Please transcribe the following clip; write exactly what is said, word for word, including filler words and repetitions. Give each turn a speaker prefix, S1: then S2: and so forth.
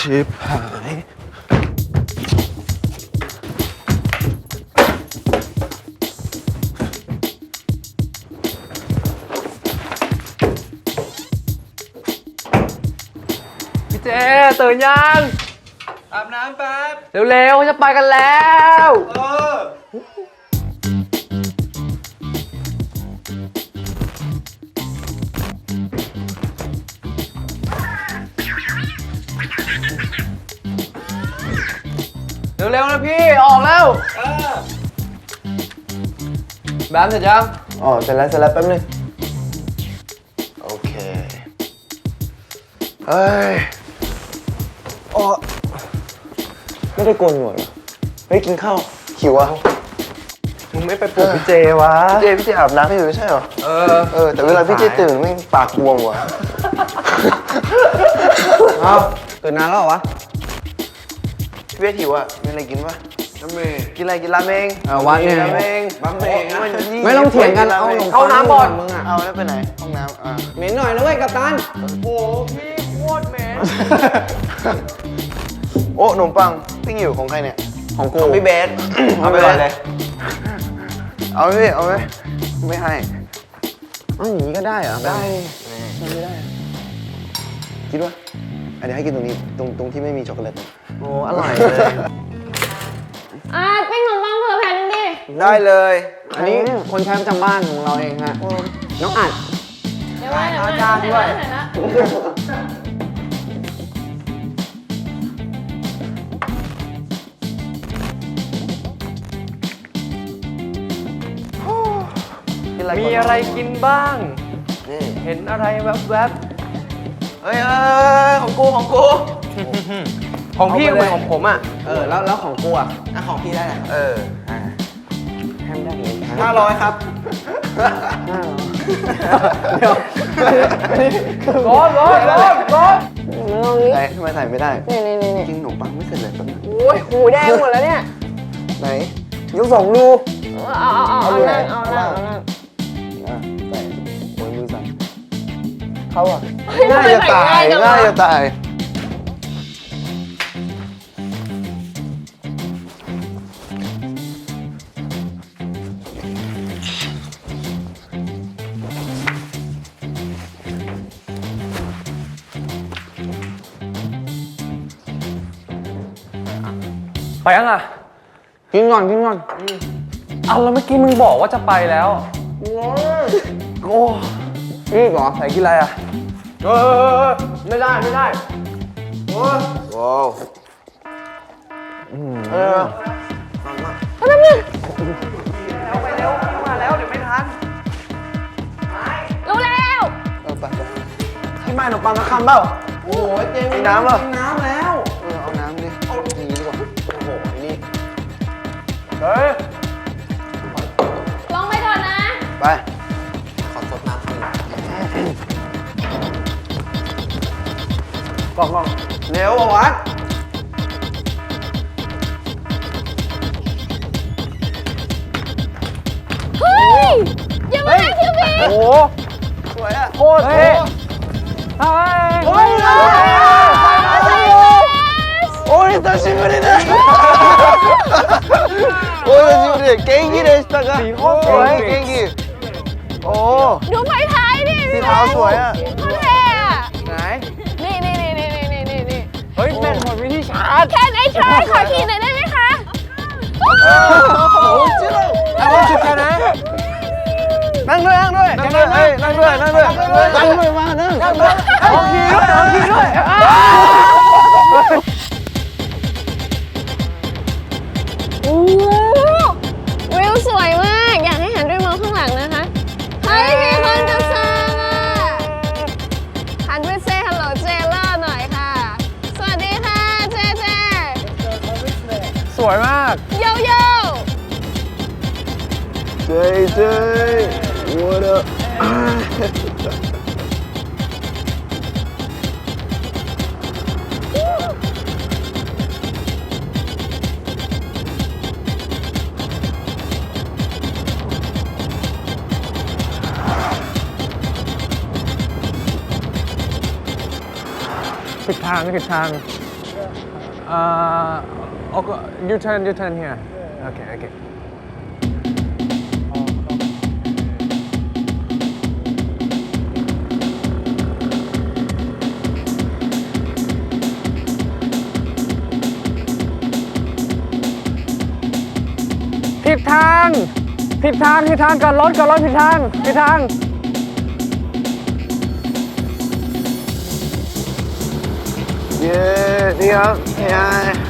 S1: ชิบหายพี่เจตื่นยังอาบน้ำแป๊บเร็วๆจะไปกันแล้วเออเร็วๆนะพี่ออกแล้วเออแบมเสร็จยังอ๋อเสร็จแล้วเสร็จแล้วแป๊บนึงโอเคเฮ้ยอ๋อไม่ได้โกนหนวดเหรอเฮ้ยกินข้าวหิวอ่ะมึงไม่ไปปลุกพี่เจวะพี่เจพี่เจอาบน้ำอยู่ไม่ใช่เหรอเออเออแต่เวลาพี่เจตื่นไม่ปากบวมว่ะเอาตื่นนานแล้วเหรอวะพี่เวทหิวอ่ะมีอะไรกินปะน้ำเมย์กินอะไรกินราเมงเอาวะเนี่ยราเมงราเมงไม่ต้องเถียงกันเอาเข้าน้ำก่อนมึงอ่ะเอาแล้วไปไหนห้องน้ำอ่ะเหม็นหน่อยนะเว้ยกัปตันโอ้พี่โคตรเหม็นโอ้ขนมปังปิ้งอยู่ของใครเนี่ยของกูของพี่เบสเอาไปเลยเอาไหมพี่เอาไหมไม่ให้อ๋ออย่างนี้ก็ได้เหรอได้ไม่ได้คิดว่าเดี๋ยวให้กินตรงนี้ตรงตรงที่ไม่มีช็อกโกแลตโอ้อร่อยเลย
S2: อ่ะปิ้งขนมปังเผื่อแผ่นดิ
S1: ได้เลยอันนี้คนใช้ประจำบ้านของเราเองฮะน้องอัด
S2: เดี๋ยวมาเดี๋ยวมาจานด้วย
S1: มีอะไรกินบ้างเห็นอะไรแวบๆเฮ้ยเออของกูของกูของพี่กับของผมอ่ะเออแล้วแล้วของกูอ่ะอ่ะของพี่ได้แหละเออห้ามได้เลยห้าร้อยครับเดี๋ยวร้อนร้อนร้อนร้อนไหนทำไมใส่ไม่ได้
S2: นี่นี่นี่
S1: กินขนมปังไม่เสร็จเลยแป๊บนึง
S2: โอ้ยหูแดงหมดแล้วเนี่ย
S1: ไหนยกสองดู
S2: เอาเอาเอาเอานั่งเอานั่งเอานั่ง
S1: ใส่โอ้ยมือสั่นเขาอ่ะง่ายจะตายง่ายจะตายไปยังอ่ะกินก่อนกินก่อนเอาแล้วเมื่อกี้มึงบอกว่าจะไปแล้วโอ้นี่เหรอใส่กินอะไรอ่ะเออไม่ได้ไม่ได้โอ้ว้าวเออ
S2: ทำไมเนี่ย
S1: เอาไปเร็วมาแล้วเดี๋ยวไม่ทัน
S2: รู้แล้ว
S1: เออไปไปที่ไม่ขนมปังกระคำเปล่าโอ้ยเจมีน้ำเหรอน้ำแล้วเออเอาน้ำดิเอาอย่างนี้ดีกว่าโอ้โหนี่เฮ้ย
S2: ลองไปก่อนนะ
S1: ไปขอสดน้ำกล่องกล่องเร็วอ่ะวัด
S2: เฮ้ยยังไม่ได้คิวบี
S1: โอ้สวยอ่ะโคตรเท่เฮ้ยโอ้ยโอ้ย久しぶりですโอ้ย久しぶり元気でしたかสีโคตรสวย元気โอ้
S2: ดูไฟท้ายดิ
S1: สีขาวสวยอ่ะ
S2: โคตรเท่อะ
S1: ไหน
S2: นี่นี่นี่นี่นี่นี่นี่
S1: เฮ้ยแม่หมดวิธีชาร์จ
S2: แค่ไอ้ชายขอขี่หน่อยได้ไหมคะ
S1: โอ้โหจิ๊บเอาจิ๊บกันนะนั่งด้วยนั่งด้วยนั่งด้วยนั่งด้วยนั่งด้วยนั่งด้วยมานั่งนั่งด้วยเอาขี่ด้วยเอาขี่ด้วย
S2: โอ้วิวสวยมากอยากให้หันด้วยมองข้างหลังนะคะเฮ้ยมีคนจะแซงอ่ะหันไปเซฮัลโหลเจเลอร์หน่อยค่ะสวัสดีค่ะเจเจ
S1: สวยมาก
S2: โยโย่
S1: เจเจ what up ผิดทางผิดทาง
S3: Uh, okay, you turn, you turn here. Okay, okay. ผิดทาง ผิดทาง ผิดทางก่อนรถก่อนรถผิดทาง ผิดทาง
S1: เย้ดีครับเฮ้ย